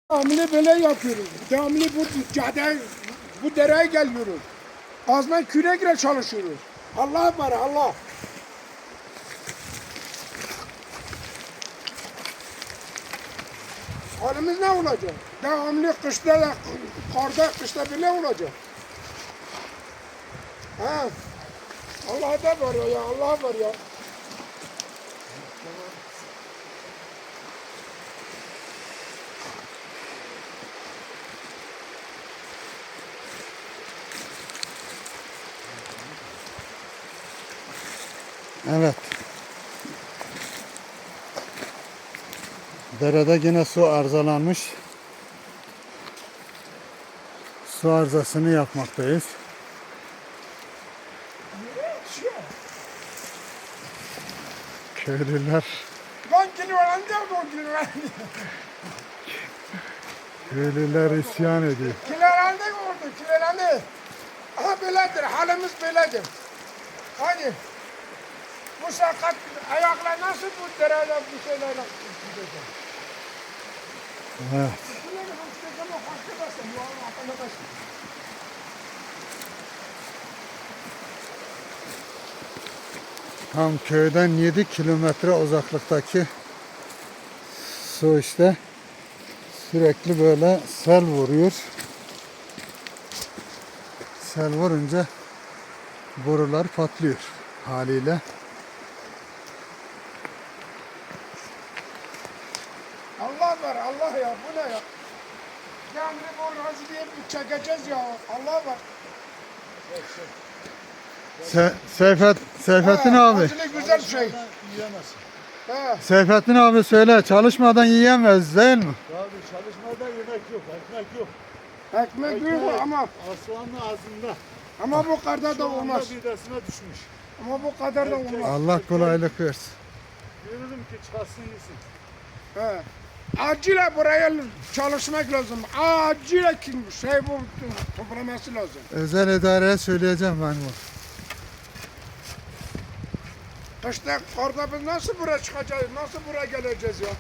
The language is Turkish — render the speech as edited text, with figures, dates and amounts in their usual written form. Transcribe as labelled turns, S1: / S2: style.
S1: Devamlı böyle yapıyoruz. Devamlı bu dereye geliyoruz. Azman kürekle çalışıyoruz. Allah var Allah. Halimiz ne olacak? Devamlı kışta da, karda kışta bile olacak. Ha? Allah da var ya, Allah var ya.
S2: Evet. Derede yine su arızalanmış. Su arızasını yapmaktayız. Köylüler
S1: Lan kilolarında bu kilolarında.
S2: Köylüler isyan ediyor.
S1: Kilolarında oldu kilolarında. Aha böyledir halimiz böyledir. Hadi. Bu sakat ayakla nasıl bu derede bu şeylerle gidecek?
S2: Evet. Tam köyden 7 kilometre uzaklıktaki su işte sürekli böyle sel vuruyor. Sel vurunca borular patlıyor haliyle.
S1: Allah var Allah ya bu ne ya? Yani bu razı diye çekeceğiz ya Allah var.
S2: Seyfettin abi.
S1: Razılık güzel şey. He.
S2: Seyfettin abi söyle, çalışmadan yiyemez değil mi?
S3: Abi çalışmada yemek yok, ekmek yok.
S1: Ekmek yok ama
S3: Aslanın ağzında.
S1: bu kadar da olmaz.
S3: Şu anda midesine düşmüş.
S1: Ama bu kadar da olmaz.
S2: Allah kolaylık versin.
S3: Diyorum ki çıkarsın gitsin.
S1: He. Acilen buraya çalışmak lazım. Acilen bu toplaması lazım.
S2: Özel idareye söyleyeceğim ben bu.
S1: Kışta karda biz nasıl buraya çıkacağız? Nasıl buraya geleceğiz ya?